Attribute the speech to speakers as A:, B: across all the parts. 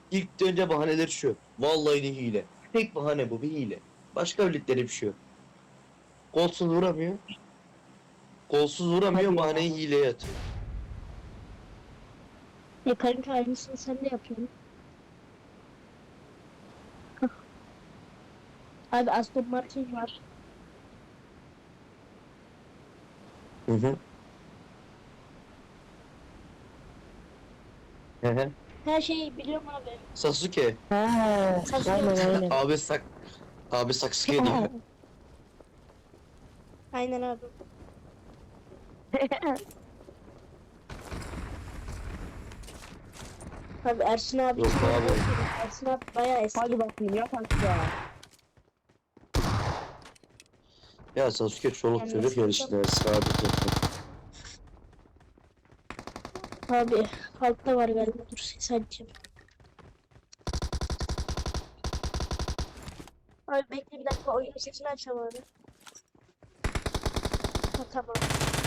A: İlk önce bahaneler şu. Vallahi de hile. Tek bahane bu, bir hile. Başka bildikleri bir şey yok. Kolsuz vuramıyor. Kolsuz vuramıyor,
B: Hadi
A: bahaneyi
B: ya.
A: hileye atıyor.
C: Kanka aynısını sen de yapıyorsun. Abi Aston Martin var.
A: Hı hı. Hı hı.
C: Her şeyi biliyorum abi.
A: Sasuke.
B: Ha,
C: Sasuke.
B: aynen aynen.
A: Abi Sasuke diyor.
C: Aynen abi. Abi Ersin abi
A: Yok
C: kim
A: abi.
C: olduğunu söyleyeyim. Ersin abi bayağı eski.
B: Hadi bakayım yat aşağı.
A: Ya Sasuke çoluk
C: Yani
A: çocuk yarışlar sadece.
C: abi altta var galiba. Dur ses açacağım. Abi bekle bir dakika oyunun sesini açacağım abi. Ha tamam.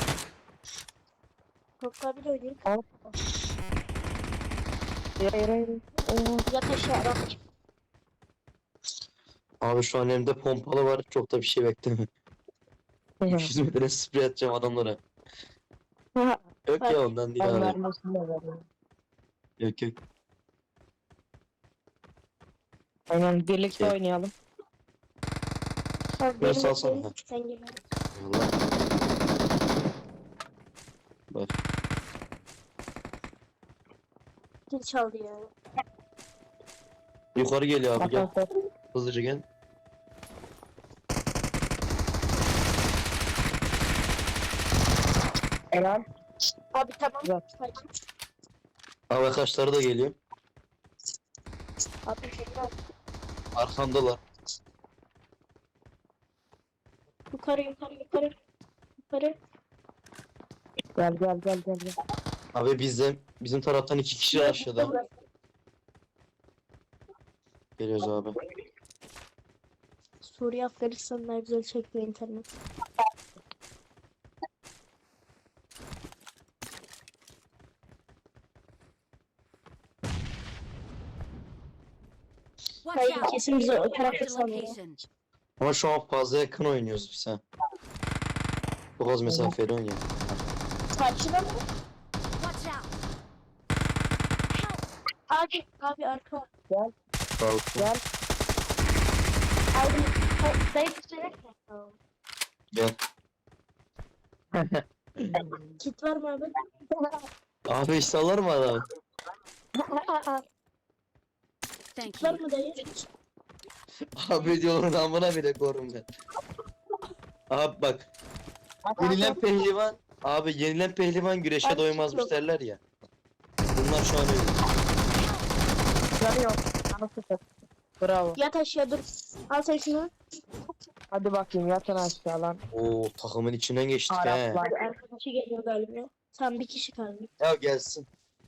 C: Korku abi de oynayayım.
B: Al. Yere.
C: Yat aşağı bak.
A: Abi şu an elimde pompalı var. Çok da bir şey bekleme. 300 metre sprey atacağım adamlara. Yok ya,
C: Bak.
A: ondan değil
B: Ben
A: abi.
B: vermesini de veririm.
A: Yok yok.
B: Aynen birlikte
A: Şey.
B: oynayalım.
C: Abi
A: Ben
C: benim
A: salsana.
C: benim sen gel.
A: Eyvallah. Bak.
C: Kim çaldı ya?
A: Yukarı geliyor abi,
B: At
A: gel.
B: at at.
A: Hızlıca gel.
B: Helal.
C: Abi tamam.
B: Güzel.
C: Sakin.
A: Abi kaçları da geliyor.
C: Abi tekrar.
A: Arkamdalar.
C: Yukarı yukarı yukarı. Yukarı.
B: Gel gel gel gel gel.
A: Abi bizim taraftan 2 kişi aşağıda. Geliyoruz abi.
C: Suriye Afganistan'da güzel çekiyor internet.
D: Watch
C: Hayır
D: out!
C: kesin bize o tarafta
D: Marked a
C: sanıyor.
D: location.
A: Ama şu an fazla yakın oynuyoruz biz ha. Çok az mesafeli oynuyor.
C: Karşıda mı?
D: Watch out!
C: Abi arka.
B: Gel
A: Sağ
B: gel.
C: Abi dayı tutacak mı? Tamam.
A: Gel.
C: Kit var mı abi?
A: Abi işte alır mı adam?
D: Thank
C: Var
D: you.
C: mı dayı?
A: Abi diyorlar amına bile korum ben. Abi bak. Yenilen pehlivan. Abi yenilen pehlivan güreşe
C: Abi
A: doymazmış
C: yok.
A: derler ya. Bunlar şu an öyle.
B: Canı yok. Canı sıfır. Bravo.
C: Yat aşağı dur. Al sen şunu.
B: Hadi bakayım yatın aşağı lan.
A: Oo, takımın içinden geçtik he.
B: Araplar.
C: Hadi arkadaşı geliyor galiba. Tam bir kişi kaldı.
A: Ya gelsin.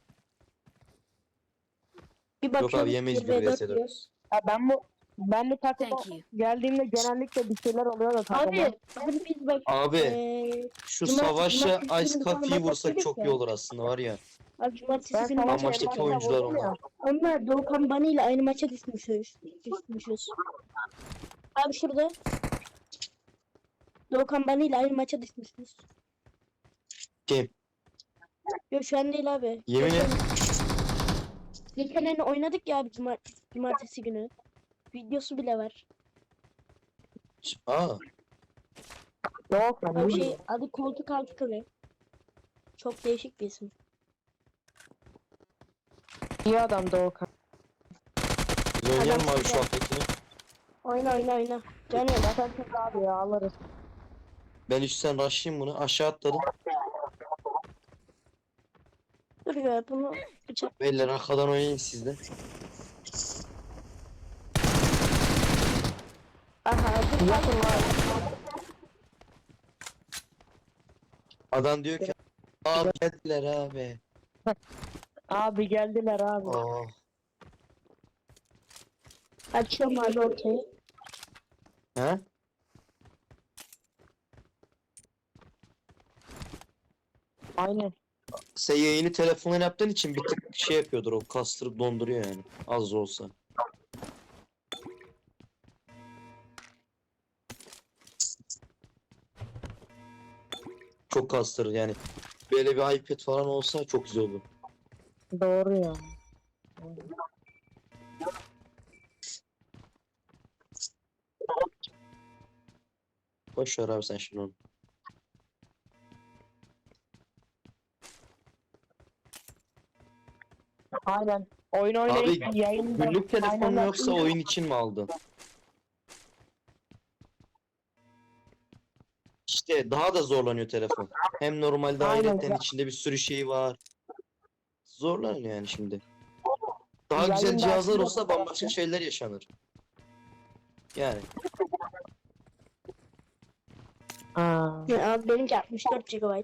C: Bir
A: Yok
C: bakıyorum.
A: abi, yemeyiz
C: 1v4
A: bir vs4.
C: diyoruz.
B: Ya ben bu takıma
D: Thank you.
B: geldiğimde genellikle bir şeyler oluyor da takıma.
C: Abi biz bak.
A: Abi şu savaşa
C: cumartesi
A: Ice
C: günü
A: Coffee'yi
C: falan
A: vursak
C: maç
A: çok iyi
C: yapıyorduk
A: olur aslında var ya.
C: Abi cumartesi
B: Ben
C: günü
B: savaş
C: maç
A: Amaçtaki
C: yapıyorduk.
A: oyuncular
B: vurdum
A: onlar.
B: ya.
C: Onlar Doğukan Bani ile aynı maça düşmüşüz. Abi şurada. Doğukan Bani ile aynı maça düşmüşüz.
A: Kim?
C: Yok şu an değil abi.
A: Yemin et.
C: Geçen oynadık ya abi cumartesi günü. Videosu bile var.
A: Aa.
B: Yok lan.
C: Abi
B: iyi.
C: adı koltuk altı kılı. Çok değişik bir isim.
B: İyi adam Doğukan.
A: Biz oynayalım
C: Adam
A: abi şu
C: güzel.
A: alttakini.
C: Oyna. Canım
B: Zaten çok abi ya alırız.
A: Ben üstten rushlayayım bunu. Aşağı atladım.
C: dur ya bunu bıçak.
A: Beyler arkadan oynayın siz de.
C: Aha dur.
B: Yatın lan.
A: Adam diyor ki abi geldiler abi.
B: Abi geldiler abi.
A: Aa.
C: Açıyorum abi ortayı.
A: He?
B: Aynen.
A: Sen yayını telefonla yaptığın için bir tık şey yapıyordur, o kastırıp donduruyor yani. Az da olsa. Çok kastırır yani. Böyle bir iPad falan olsa çok güzel olur.
B: Doğru ya.
A: Boş ver abi sen şimdi onu.
B: Aynen. Oyun oynayıp yayında.
A: Günlük telefon mu
B: Aynen.
A: yoksa oyun için mi aldın? İşte daha da zorlanıyor telefon. Hem normalde
B: Aynen.
A: ayrıca içinde bir sürü şey var. Zorlanıyor yani şimdi. Daha
B: Yayın
A: güzel cihazlar
B: dersi
A: olsa
B: yapıyor.
A: bambaşka şeyler yaşanır. Yani
B: Aa.
C: Ya abi benimki 64 GB.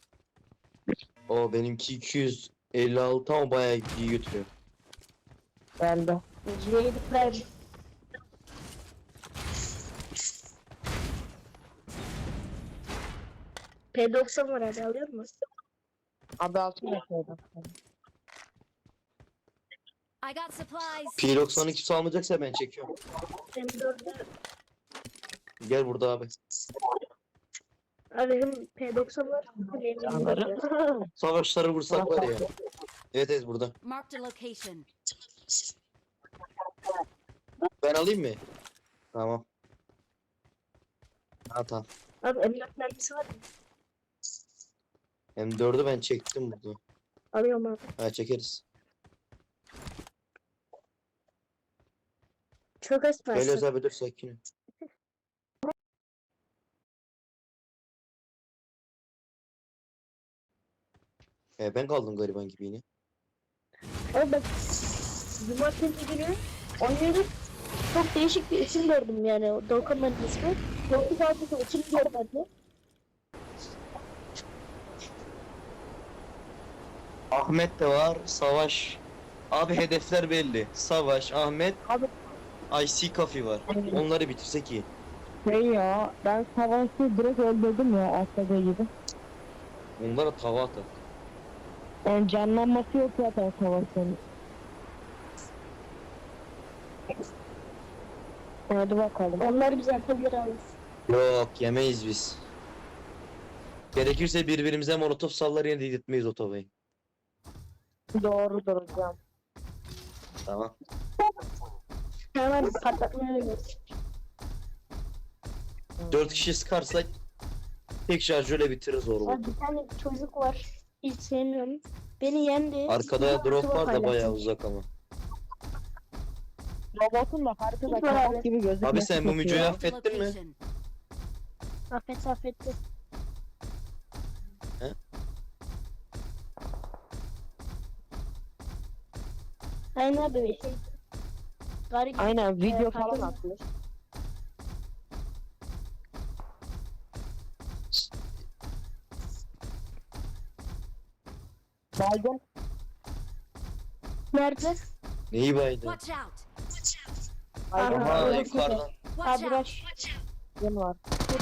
A: o benimki 256 ama bayağı iyi götürüyor.
B: Geldi.
C: J7 Prime. P90 var abi alıyor musun?
B: Abi altın yapıyordum.
D: I got supplies.
A: P90'ı kimse almayacaksa ben çekiyorum.
C: M4'ü.
A: Gel burada abi.
C: Abi benim P90 var. Benim
B: Canları.
A: Savaşları vursak var ya. Evet evet burada.
D: Marked a location.
A: Ben alayım mı? Tamam. Ha tamam.
C: Abi M4 mermisi var mı?
A: M4'ü ben çektim burada.
C: Alıyorum abi.
A: Ha çekeriz.
C: Çok az
A: Gel
C: parça.
A: Öz abi dur sakin ol. Ben kaldım gariban gibi yine.
C: Abi bak. Cumartesi günü oynuyorduk. Çok değişik bir isim gördüm yani. O Doğukan'ın ismi. Çok fazla isim görmedim.
A: Ahmet de var. Savaş. Abi hedefler belli. Savaş, Ahmet,
B: Abi
A: IC Coffee var. Onları bitirsek iyi.
B: şey ya. Ben savaşı direkt öldürdüm ya. Atladığı gibi.
A: Onlara tava atar.
B: Yani canlanması yok zaten savaşın. Hadi bakalım.
C: Onlar bize atabilir abi.
A: Yok yemeyiz biz. Gerekirse birbirimize molotof sallar yine dedirtmeyiz o tavayı.
B: Doğrudur hocam.
A: Tamam.
C: Hemen patlatmaya oynuyoruz.
A: 4 kişi sıkarsak tek şarjörle bitiririz orada.
C: Abi bir tane çocuk var. Hiç sevmiyorum. Beni yendi.
A: Arkada drop var da
C: paylaşmış.
A: bayağı uzak ama.
B: Robotun da haritada
C: Hiç var abi.
B: kapak gibi gözükmesi
A: Abi sen bu
B: kötü
A: mücoyu
B: ya.
D: Marked a
A: affettin mi?
D: location.
C: Affetti.
A: He?
C: Aynen abi. Garip.
B: Aynen video
C: Evet,
B: falan
C: pardon.
B: atmış. Baygın.
C: Nerede?
A: Neyi baydı?
D: Watch out.
B: Baygın
C: Aha,
A: Aha
C: öyle
A: yukarıdan.
D: Watch
C: Abi
D: out.
C: rush.
B: var.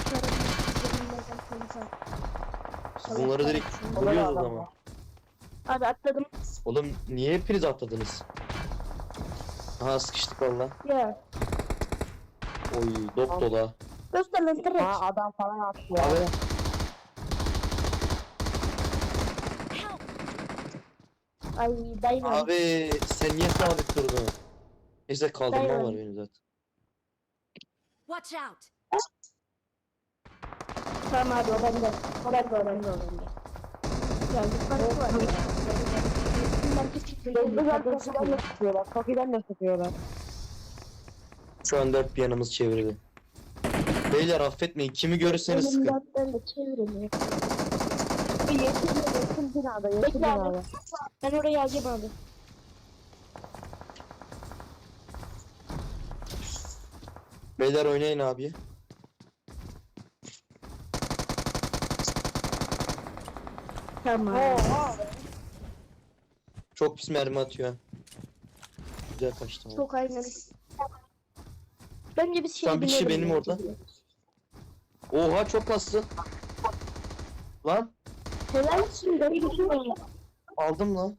A: Bunları direkt vuruyoruz o zaman.
C: Abi atladım.
A: Oğlum niye hepiniz atladınız? Aha sıkıştık valla.
C: Ya.
A: Oy dop dola.
C: Göster lan direkt.
B: Ha adam falan attı ya.
A: Abi.
D: Help.
C: Ay dayı.
A: Abi sen niye sabit durdun? Neyse kaldırma
C: Dayan.
A: var benim zaten.
D: Watch out.
C: Tamam abi o bende. O bende. Ya yukarı var. Bunlar küçük bir
B: Tokiden de sıkıyorlar. Tokiden de sıkıyorlar.
A: Şu an dört bir yanımız çevrildi. Beyler affetmeyin. Kimi görürseniz sıkın.
C: Elimden de çeviremiyor.
B: Yeşil binada, yeşil
C: Bekle abi.
B: binada.
C: Ben oraya alacağım abi.
A: Beyler oynayın abi.
C: Tamam.
A: Çok pis mermi atıyor. Güzel kaçtı ama.
C: Çok aynen. Bence biz şey
A: Tam bir kişi
C: binelim
A: benim
C: ya.
A: orada. Oha çok kastı. Lan
C: Helalsin ben gidiyorum.
A: Aldım lan.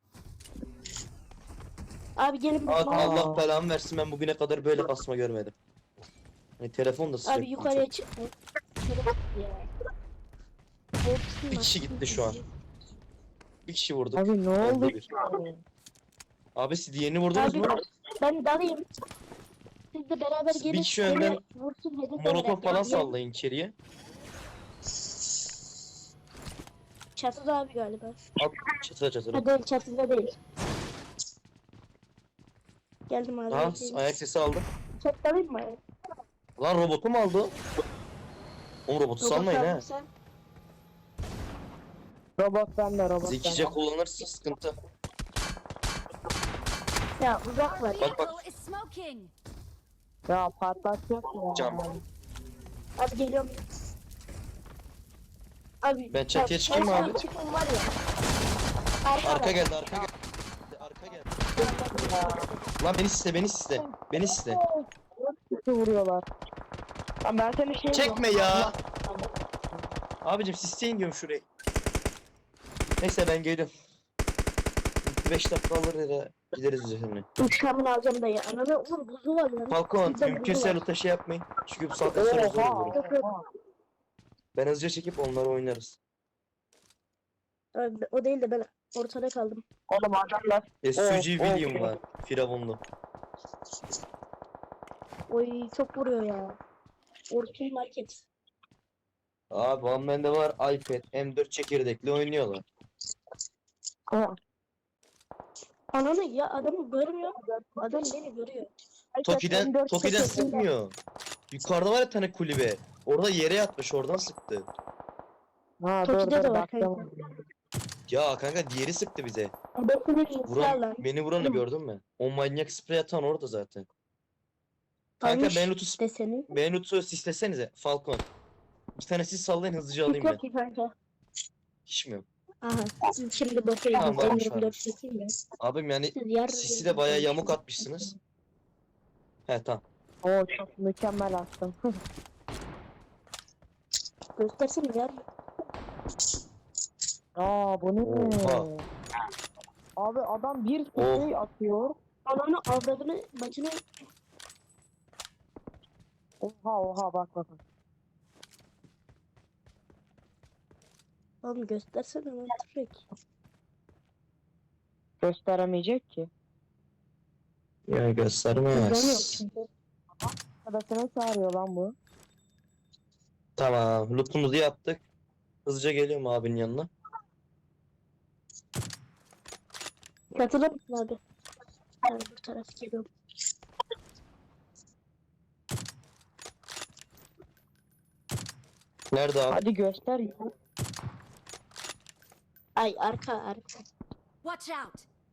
C: Abi gelin
A: Aa,
C: bana.
A: Allah belamı versin, ben bugüne kadar böyle kasma görmedim. Telefon da sıcak.
C: Abi yukarıya çıkma. Ya. Korksun
A: Bir kişi
C: bak.
A: gitti şu an. Bir kişi vurduk.
B: Abi ne
A: Öldü
B: oldu?
A: bir. Abi siz diğerini vurdunuz
C: Abi
A: mu?
C: ben dalayım. Siz de beraber
A: Bir
C: gelin.
A: kişi önden
C: beni vursun hedef
A: Molotof
C: olarak.
A: falan
C: Yani
A: sallayın içeriye.
C: Çatıda abi galiba.
A: At çatıra çatıra.
C: Ha değil çatıda değil. Geldim abi.
A: Aha
C: bekleyin.
A: ayak sesi aldım.
C: Çok dalayım mı?
A: Lan robotu mu aldı? Oğlum robotu salmayın ha.
C: Sen.
B: Robot bende, robot
A: Zekice
B: bende.
A: kullanırsa sıkıntı.
C: Ya uzak var.
A: Bak, bak.
D: Vehicle is smoking.
B: Ya patlatacak ya.
A: Cam.
C: Abi geliyorum. Abi.
A: Ben çatıya çıkayım mı abi?
C: Çıkın var ya.
A: Arka geldi, arka geldi. Arka geldi. Lan beni sisle, beni sisle. Beni sisle.
B: Kötü vuruyorlar. Lan ben seni şey
A: Çekme ya. Abicim sisleyin diyorum şurayı. Neyse ben geliyorum. 5 dakika alır ya, gideriz üzerine.
C: Uçağımı alacağım da ya. Ananı oğlum buzu var ya.
A: Falcon
C: Bizde
A: mümkünse
C: buzu var.
A: loot şey yapmayın. Çünkü bu saatten sonra zor olur.
B: Oha.
A: Ben hızlıca çekip onları oynarız.
C: Abi, o değil de ben ortada kaldım.
B: Oğlum adamlar.
A: SUG
B: Oh,
A: William
B: oh.
A: var. Firavunlu.
C: Oy çok vuruyor ya. Orkin market.
A: Abi bende var iPad M4 çekirdekli oynuyorlar.
B: Oha.
C: Ananı ya adamı görmüyor. Adam beni görüyor.
A: Toki'den
B: M4
A: Toki'den
B: çekirdekli.
A: sıkmıyor. Yukarıda var ya tane kulübe. Orada yere yatmış, oradan sıktı.
B: Ha
C: Toki'de
B: dur
C: de
B: dur
C: var
B: baktım.
A: Ya kanka diğeri sıktı bize.
C: Adamı
A: Vuran, beni vuranı gördün mü? O manyak sprey atan orada zaten. Kanka
C: Almış
A: ben loot'u
C: deseni.
A: sislesenize Falcon. Bir tane siz sallayın, hızlıca alayım
C: Yok
A: ben.
C: ki kanka.
A: Hiç mi yok?
C: Aha. Siz şimdi bakayım.
A: Tamam, varmış,
C: 24
A: varmış.
C: çekeyim ya.
A: Abim yani
C: Siz yarın.
A: sisi de bayağı yamuk atmışsınız. He tamam.
B: Oo çok mükemmel attım.
C: Göstersene yarın.
B: Aa bu ne?
A: Oha.
B: Abi adam bir
A: Oh.
B: şey atıyor.
C: Ananı avradını bacını.
B: Oha bak bak.
C: Oğlum göstersene lan tüfek.
B: Gösteremeyecek ki.
A: Ya
C: Hızlanıyor
A: göstermez.
C: çünkü.
B: Arkadaşına çağırıyor lan bu.
A: Tamam, loot'umuzu yaptık. Hızlıca geliyorum abinin yanına.
C: Katılır mısın abi? Ben bu taraf geliyorum.
A: Nerede abi?
B: Hadi göster ya.
C: Ay arka.
D: Watch out.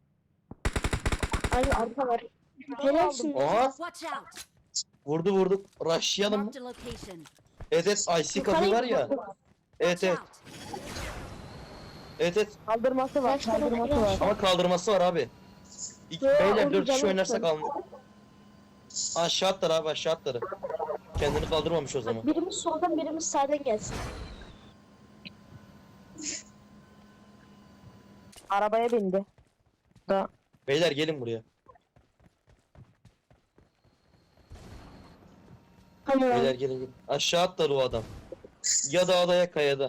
C: Ay arka var. Helalsin.
A: Oha,
D: Watch out.
A: vurduk. Rushlayalım mı?
D: Marked a location.
A: Evet, IC kapı var ya. Evet,
D: Watch
A: evet.
D: out.
A: Evet.
B: Kaldırması var,
C: Kaç tane
B: kaldırması var.
A: Ama kaldırması var abi.
C: Ya,
A: Beyler
C: onu
A: 4 kişi
C: canım
A: oynarsak
C: sen.
A: alın. Aşağı atlar abi, aşağı atları. Kendini kaldırmamış o zaman.
C: Bak, birimiz soldan birimiz sağdan gelsin.
B: Arabaya bindi.
A: Beyler gelin buraya.
C: Hani
A: Beyler gelin. Aşağı atlar o adam. Ya dağda ya kayada.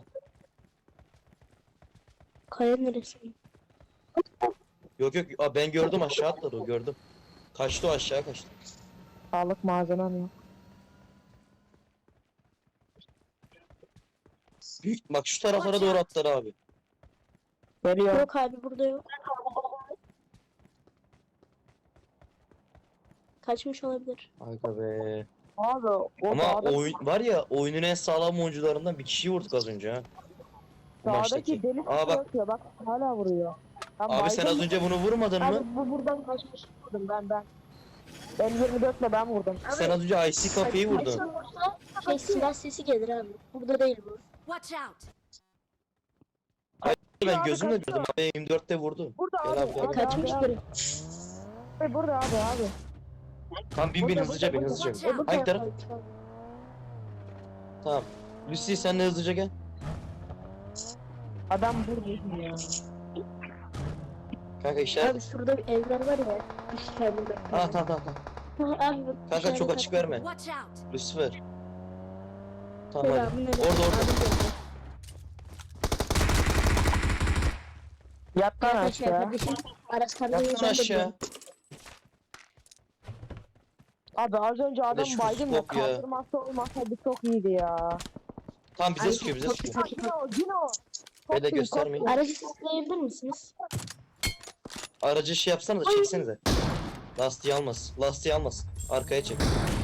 C: kaya neresi?
A: Yok. Aa, ben gördüm, aşağı atladı o, gördüm. Kaçtı o, aşağı kaçtı.
B: Sağlık malzemem yok.
A: Büyük, bak şu taraflara doğru atlar abi.
B: Geliyor.
C: Yok abi burada yok. Kaçmış olabilir.
A: Aga be.
B: Abi o
A: Ama
B: dağda-
A: oyun var ya, oyunun en sağlam oyuncularından bir kişiyi vurduk az önce ha. Bu
B: dağdaki
A: maçtaki.
B: deli
A: Aa bak
B: atıyor bak hala vuruyor. Ben
A: abi, sen az
B: baygın-
A: önce bunu vurmadın
C: Abi
A: mı?
C: bu buradan kaçmış.
B: vurdum ben. Ben 24'le ben vurdum.
A: Sen az önce IC kapıyı vurdun.
C: Kaçsan vursa şey silah sesi gelir abi. Burada değil bu.
D: Watch out.
A: Ben
B: Abi
A: gözümle
B: kaçıyor.
A: gördüm abi, 24'te vurdu.
B: Burada
A: Gel
B: abi.
A: abi, gel.
C: Kaçmış
B: abi.
C: biri.
B: Burada abi.
A: Tamam bin hızlıca bin hızlıca bin.
D: Watch out.
A: Hangi taraf? Tamam. Lucy sen de hızlıca gel.
B: Adam burada ya.
A: Kanka işaret.
C: Abi şurada bir evler var ya. Üç tane de.
A: Ha tamam.
C: Abi bak,
A: Kanka çok
C: işaret
A: açık
C: attım.
A: verme.
D: Watch out!
A: Lucifer. Tamam hadi.
C: Selamünaleyküm.
A: Orada.
C: Abi geldi.
B: Yat lan
C: Arkadaşlar
B: aşağı.
C: kardeşim Aras kardeşim
A: Yatsana aşağı.
B: Abi az önce adam
A: şu
B: baydım da
A: scope ya.
B: kaldırması olmasaydı çok iyiydi ya.
A: Tamam bize sıkıyor bize
C: çok
A: sıkıyor.
C: güzel.
B: Cino.
A: Böyle göstermeyin.
C: Aracı sesleyebilir misiniz?
A: Aracı şey yapsana da çeksenize. Lastiği almaz. Lastiği almaz. Arkaya çek.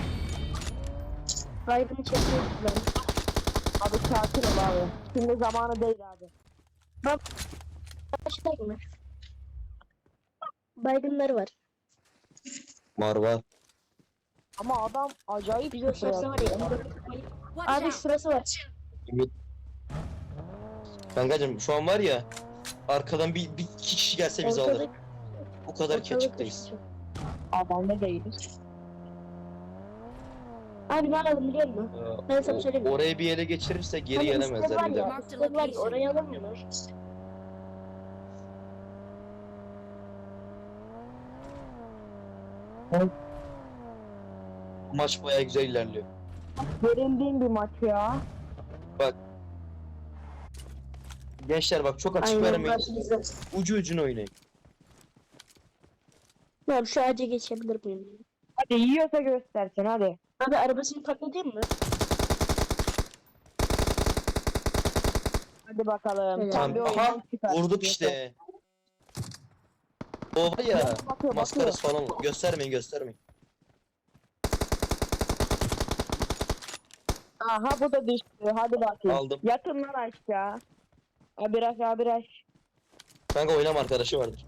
C: Baygını çekiyoruz ben.
B: Abi sakin ol abi. Şimdi zamanı değil abi.
C: Başlayalım mı? Baygınları var.
A: Var.
B: Ama adam acayip
C: Bir gösterse var ya.
D: Watch
C: Abi
D: out!
C: şurası var.
A: Kankacım şu an var ya. Arkadan bir iki kişi gelse bizi alır. O kadar ki açıktayız.
B: Adam ne değiliz.
C: Abi ne alalım biliyor musun? Ben sana söyleyeyim mi?
A: Orayı bir ele geçirirse geri
C: Hani
A: gelemezler
C: üstte var
A: bir
C: ya,
A: daha.
C: üstte var ya, orayı alamıyorlar.
A: Maç bayağı güzel ilerliyor.
B: Gerildiğim bir maç ya.
A: Gençler bak çok açık
C: Aynen
A: vermeyin.
C: burası güzel.
A: Ucu ucuna oynayın.
C: Abi şu ağaca geçebilir miyim?
B: Hadi yiyorsa göstersin hadi.
C: Abi arabasını patlatayım mı?
B: Hadi bakalım.
C: Evet.
B: Sen bir
A: Tamam.
B: oyundan
A: Aha
B: çıkar.
A: vurduk işte. O var ya
B: Bakıyor,
A: maskarası falan göstermeyin.
B: Aha bu da düştü. Hadi bakayım.
A: Aldım.
B: Yatın lan aşağı. Abiraş.
A: Kanka oynama arkadaşı vardır.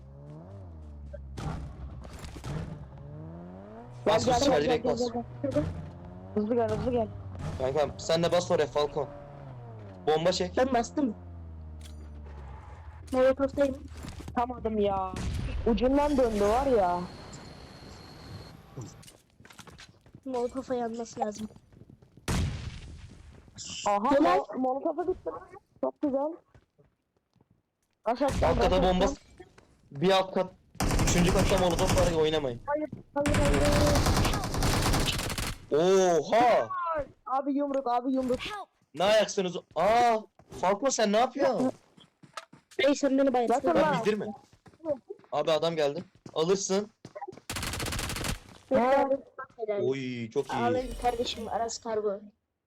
A: Bas
B: Gel,
A: Lucifer
B: gel,
A: direkt
B: gel,
A: bas.
B: gel. Hızlı gel.
A: Kankam sen de bas oraya Falcon. Bomba çek.
C: Ben bastım. Molotov'tayım.
B: Tamadım ya. Ucundan döndü var ya.
C: Molotov'a yanması lazım.
B: Aha
C: Helal.
B: Molotof'a gitti. Çok güzel. Aşağıdan
A: Alt kata bomba. Bir alt kat. Üçüncü katta molotof var ya oynamayın.
B: Hayır.
A: Oha!
B: Abi yumruk.
D: Help!
A: Ne ayaksınız? Aa! Falcon sen ne yapıyorsun?
C: Ey sen beni bayılsın.
B: Bakın
A: Lan
B: lan.
A: bildirme. Abi adam geldi. Alırsın.
C: Helal. Helal.
A: Oy çok iyi.
C: Ağlayın kardeşim Aras Kargo.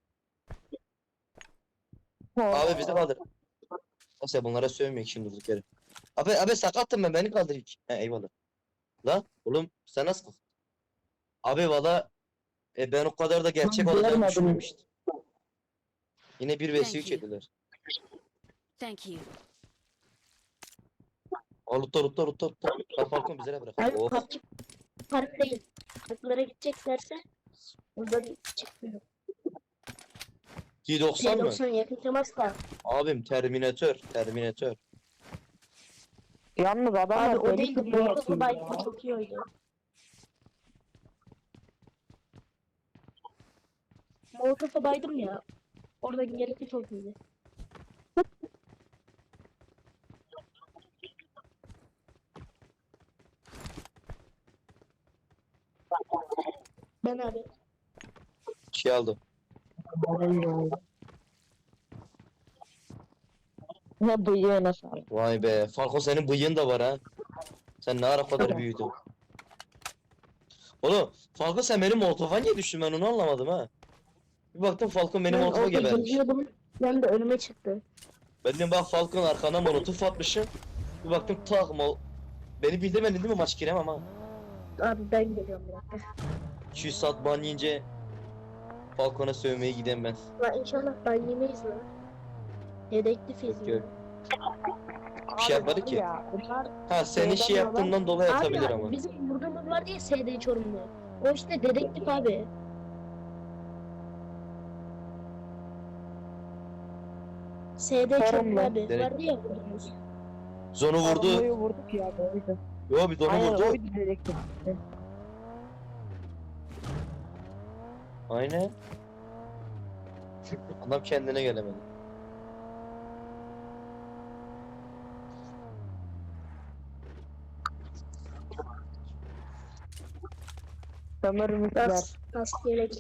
A: Abi bizi kaldır. Nasıl ya bunlara sövmeyek şimdi durduk yere. Abi sakattım ben beni kaldır ilk. He eyvallah. La oğlum sen nasıl? Abi valla ben o kadar da gerçek
B: Ben
A: olacağını
B: görmedim.
A: düşünmemiştim. Yine 1 vs 3
D: Thank you.
A: yediler.
D: Thank you.
A: Rutta. Bak Falcon bize bırak.
C: Abi
A: Oh.
C: park değil. Parklara gideceklerse burada bir çıkmıyor.
A: T90 mı?
C: T90 yakın temas da.
A: Abim Terminator.
B: Yalnız adam
C: Abi
B: var,
C: o
B: deli
C: değil de
B: sprey
C: Molotof'u
B: atıyor
C: baygın
B: ya.
C: çok iyi oynuyor. Molotof'a baydım ya. Oradaki yarısı çok iyiydi. Ben abi.
A: Şey aldım.
B: Ne bıyığı nasıl abi?
A: Vay be. Falcon senin bıyığın da var ha. Sen ne ara kadar büyüdün. Oğlum Falcon sen benim molotofa niye düştün ben onu anlamadım ha. Bir baktım Falcon benim
C: Ben
A: molotofa
C: orada
A: gebermiş.
C: geziyordum. Ben de önüme çıktı.
A: Ben dedim bak Falcon arkana molotof atmışım. Bir baktım tak beni bildirmedin değil mi maç giremem ha.
C: Abi ben geliyorum bir dakika.
A: 200 saat ban yiyince Falcon'a sövmeye gidem ben.
C: Lan inşallah ben yemeyiz lan. Dedektifiz
A: Yok.
C: mi?
A: Bir şey
B: Abi
A: yapmadı
B: var
A: ki.
B: ya, bunlar
A: Ha senin şey yaptığından dolayı atabilir
C: Abi
A: ama.
C: bizim vurduğumuz var diye SD Çorumlu. O işte dedektif abi. SD Çorumlu
B: Çorumlu.
C: abi.
A: Dedektif.
C: Vardı ya vurduğumuz.
A: Zonu vurdu.
B: Sorumluyu vurduk ya. Doğruydu.
A: Yo bir donu
B: Aynen
A: vurdu.
B: oydu dedektif.
A: Aynen. Adam kendine gelemedi.
B: Sömürmüşler.
C: Kask yelek.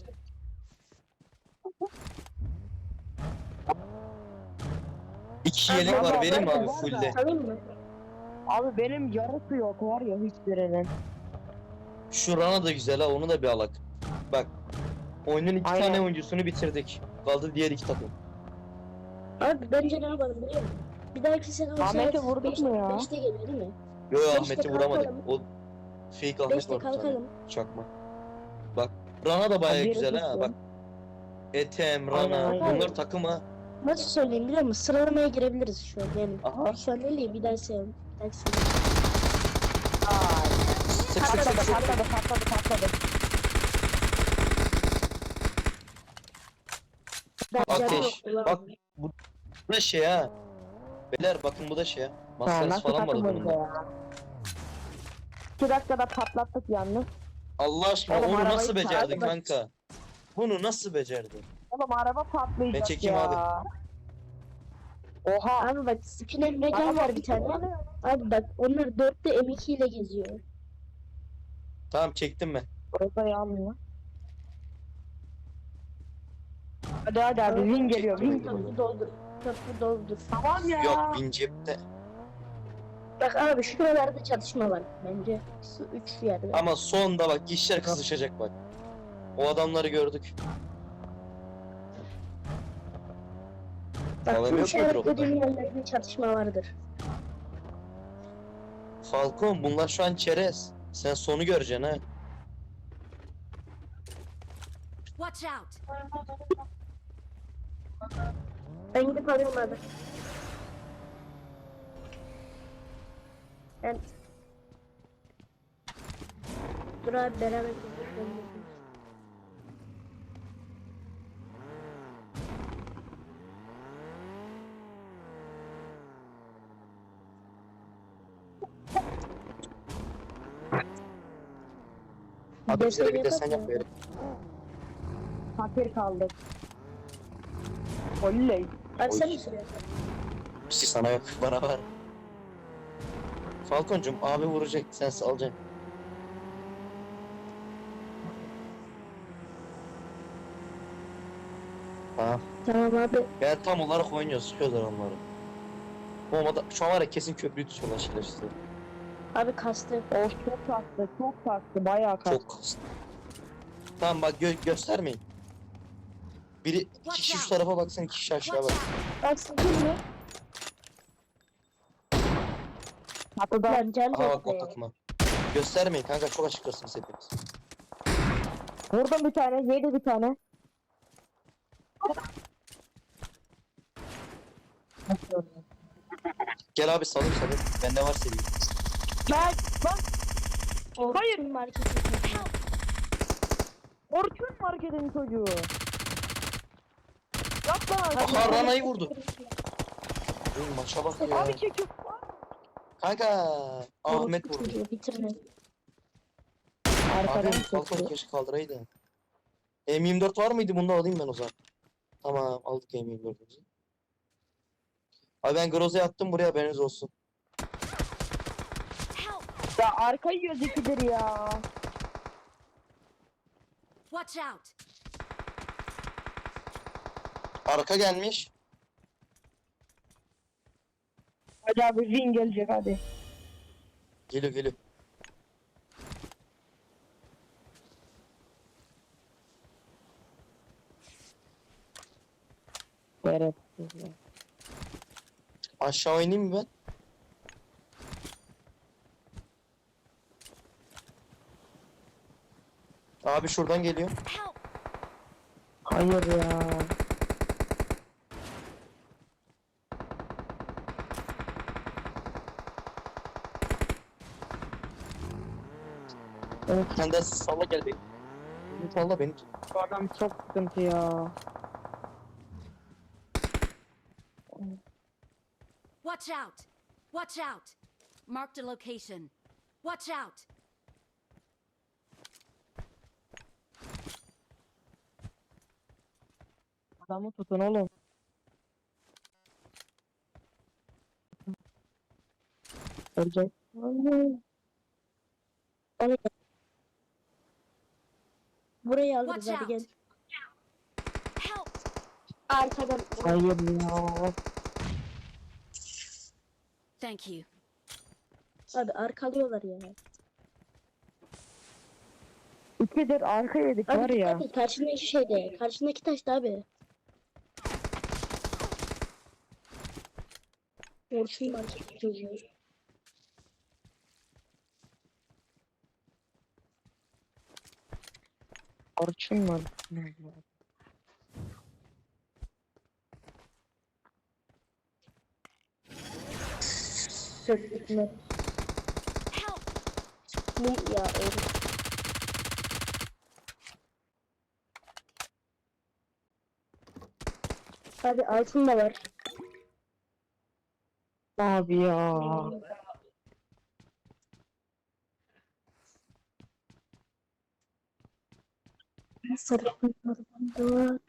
A: İki yelek var vereyim mi abi fullde?
C: Salayım mı?
B: Abi benim yarısı yok var ya hiçbirinin.
A: Şu Rana da güzel ha, onu da bir alak. Bak. Oyunun iki
B: Aynen.
A: tane oyuncusunu bitirdik. Kaldı diğer iki takım.
C: Abi bence ne yapalım biliyor musun? Bir dahaki sene o
B: Ahmet'i
C: saat
B: vurduk mu ya?
C: 5'te geliyor değil mi?
A: Yo
C: Beşte
A: Ahmet'i vuramadık.
C: kalkalım.
A: O fake Ahmet
C: 5'te
A: var bir tane.
C: kalkalım.
A: Çakma. Bak. Rana da baya
B: Biri
A: güzel ha.
B: tuttu.
A: Bak. Etem,
B: Aynen,
A: Rana.
B: aynen.
A: Bunlar takım ha.
C: Nasıl söyleyeyim biliyor musun? Sıralamaya girebiliriz şu an yani.
A: Aha.
C: Şu an değil bir dahaki sene. Bir dahaki sene.
A: Sık sık sık sık.
B: Patladı.
C: Bence
A: Ateş.
C: yok,
A: Bak. Bu da şey ha. Beyler bakın bu da şey ha.
B: Ha,
A: Maskarası
B: nasıl
A: falan var
B: takımız
A: bunun da.
B: ya? 2 dakikada patlattık yalnız.
A: Allah aşkına
B: Oğlum,
A: onu
B: arabayı
A: nasıl becerdin
B: çağırdı bak.
A: kanka? Bunu nasıl becerdin?
B: Oğlum araba patlayacak
A: Ben çekeyim
B: ya. Oha.
C: Abi bak Spin Emrecan var bir tane. Abi bak onlar 4'te M2 ile geziyor.
A: Tamam çektim ben.
B: Orada yanmıyor. Hadi abi win geliyor win.
C: Köprü doldur. Köprü doldur.
B: Tamam ya.
A: Yok bin cepte.
C: Bak abi şuralarda çatışma var bence. Şu 3 yerde.
A: Ama sonda bak işler kızışacak bak. O adamları gördük.
C: Bak
A: Falan
C: bu
A: yok mu
C: işaretlediğim yerlerde çatışma vardır.
A: Falcon bunlar şu an çerez. Sen sonu göreceksin ha.
D: Watch out!
C: Ben gidip alıyorum abi. Ben... Dur abi beraber gidelim.
A: Hadi bize de bir
C: Destek
A: desen yap
C: yapalım.
A: böyle.
B: Fakir kaldık. Oley.
C: Abi sen
A: Oy.
C: mi sürüyorsun?
A: Bir şey sana yok bana var. Falconcum abi vuracak sen salacaksın. Tamam.
C: Tamam abi.
A: Yani tam olarak oynuyor sıkıyorlar onları. Olmadı şu an var ya kesin köprüyü tutuyorlar şerefsizler.
C: Abi kastı.
B: Of çok kastı bayağı kastı.
A: Çok kastı. Tamam bak göstermeyin. Biri iki kişi şu tarafa baksın iki kişi aşağı
D: Watch
A: bak.
D: out!
C: Bak sıkıyor mu?
B: Hatta
C: Lan can
A: Aha bak
C: yok
A: o
C: be.
A: takıma. Göstermeyin kanka çok açıklasınız hepiniz.
B: vurdum bir tane yedi bir tane.
A: Gel abi salayım. Bende var seri.
B: Lan
C: Hayır. Marketi.
B: Orçun marketin çocuğu. Yap lan.
A: Aha Rana'yı vurdu. Oğlum maça bak ya.
B: Abi çekiyor.
A: Kanka Ahmet vurdu.
C: Bitirme.
B: Arkadan
A: Abi Falcon
B: çekiyor.
A: keşke kaldıraydı. M24 var mıydı? Bunu da alayım ben o zaman. Tamam aldık M24'ümüzü. Abi ben Groza'ya attım buraya haberiniz olsun.
D: Help!
B: Ya arka yiyoruz ikidir ya.
D: Watch out!
A: Arka gelmiş.
B: Hadi abi win gelecek hadi.
A: Geliyor.
B: Evet.
A: Aşağı oynayayım mı ben? Abi şuradan geliyor.
D: Help!
B: Hayır ya. Evet,
A: Sen de salla gel beni. Salla beni.
B: bu adam çok sıkıntı ya.
D: Watch out! Watch out! Marked a location. Watch out!
B: Adamı tutun oğlum. Ölecek.
C: Burayı alırız
D: Watch
C: hadi gel.
D: out! Help!
C: Arkadan.
B: Hayır ya.
D: Thank you.
C: Abi arkalıyorlar ya.
B: İkidir arka yedik
C: Abi
B: var ya.
C: dikkat et karşındaki şeyde. Karşındaki taşta abi. Orçun market çocuğu.
B: Orçun var.
C: Söktük mü?
D: Help!
C: Mum ya öyle. Abi altın da var.
B: Abi ya.
C: Sarı da var.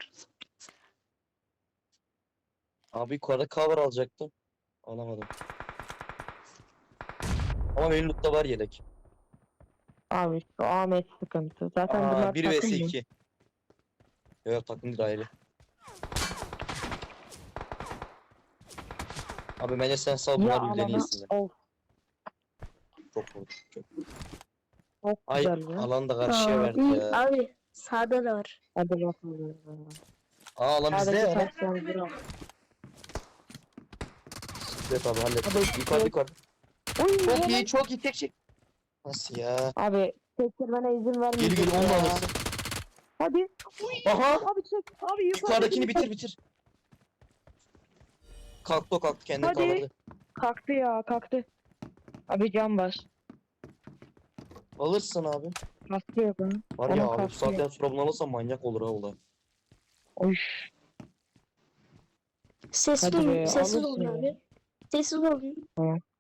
A: Abi yukarıda cover alacaktım. Alamadım. Ama benim lootta var yelek.
B: Abi şu Ahmet sıkıntı. Zaten bunlar
A: Aa 1 vs
B: takım mı?
A: 2. Yok takım değil ayrı. Abi bence sen sal
B: Ya
A: bunlar birbirlerini
B: alana
A: yesinler.
B: of
A: Çok vurdu. Çok.
B: çok
A: Ay
B: güzel ya.
A: alan da karşıya verdi ya.
C: Abi sağda da var.
B: Hadi bakalım.
A: Aa alan bizde
B: Sağdaki
A: ya.
B: taştan bırak.
A: Evet abi hallet.
B: Abi,
A: Yukarı yukarı.
B: Oy,
A: Çok iyi çok iyi tek şey. Nasıl ya?
B: Abi tekirmene izin
A: Geri
B: vermeyecek
A: geri onu da
B: ya.
A: alırsın.
B: Hadi.
A: Aha!
B: Abi çek. Abi
A: Yukarıdakini bitir bitir. Kalktı o kalktı kendini
B: Hadi.
A: kaldırdı.
B: Kalktı ya kalktı. Abi can bas.
A: Alırsın abi.
B: Kalktı yok ha.
A: Var ya
B: Onun
A: abi bu
B: kalktı ya.
A: saatten sonra bunu alırsan manyak olur ha olay.
B: Oy.
C: Sessiz
B: Hadi
C: olun.
B: be,
C: Sessiz
B: alırsın
C: olun
B: ya.
C: abi. Sessiz olun.